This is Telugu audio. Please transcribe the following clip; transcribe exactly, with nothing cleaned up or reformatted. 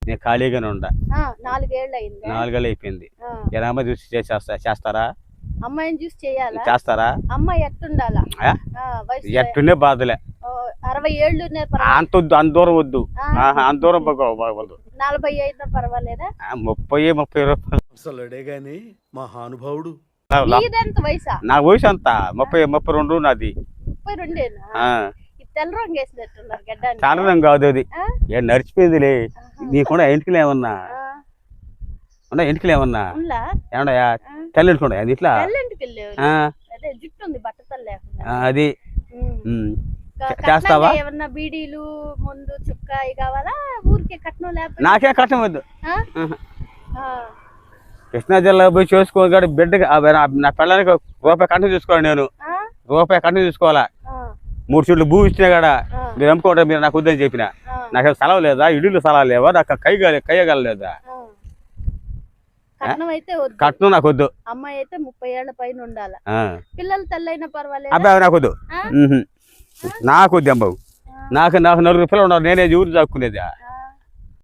నేను ఖాళీగానే ఉండా. నాలుగేళ్ళు అయింది. నాలుగేళ్ళు అయిపోయింది. ఎనభై చూసి చేసేస్తా చేస్తారా? అమ్మాయిని చూసి చేయాలా? చేస్తారా? అమ్మాయి ఎట్టుండాలా? ఎట్టుండే బాధలే. అరవై ఏళ్ళు అంత వద్దు, అంత దూరం వద్దు, అంత దూరం బాగోదు. నలభై ఐదు పర్వాలేదా? ముప్పై ముప్పై రూపాయలు అసలుడే గాని మహానుభావుడు. వయసా? నా వయసు అంతా ముప్పై ముప్పై రెండు నాది. ముప్పై రెండేనా? తెల్ల రంగు వేసినట్టున్నారు గడ్డానికి. చాలా రంగు కాదు అది, ఏ నడిచిపోయిందిలే. నీకుండా ఎంటికలు ఏమన్నా ఉన్నా? ఎంటికలు ఏమన్నా ఏమన్నాయా? తెల్ల ఎంటుకున్నా ఇట్లా జుట్టు ఉంది బట్టతలు లేకుండా. అది చేస్తావా? ఏమన్నా బీడీలు ముందు చుక్కాయి కావాలా? ఊరికే కట్నం లేకపోతే? నాకే కట్నం వద్దు. కృష్ణా జిల్లా పోయి చేసుకోవాలి బిడ్డ. నా పిల్లలకి రూపాయి కట్నం చూసుకోవాలి. నేను రూపాయి కట్నం చూసుకోవాలా? మూడు చెట్లు భూ ఇచ్చినా కూడా మీరు అమ్ముకోవడం మీరు నాకు వద్దని చెప్పిన. నాకు స్థలం లేదా? ఇల్లు స్థలాలు లేవా? నాకు కై కయ్యగలలేదా? కట్నం నాకు వద్దు. అమ్మాయి అయితే ముప్పై ఏళ్ల పైన ఉండాలి. పిల్లలు తెల్లైనా పర్వాలేదు. అబ్బాయి నాకు వద్దు, నాకు వద్దు అమ్మావు. నాకు నాకు నలుగురు పిల్లలు ఉన్నారు. నేనే ఊరు దాక్కునేదా?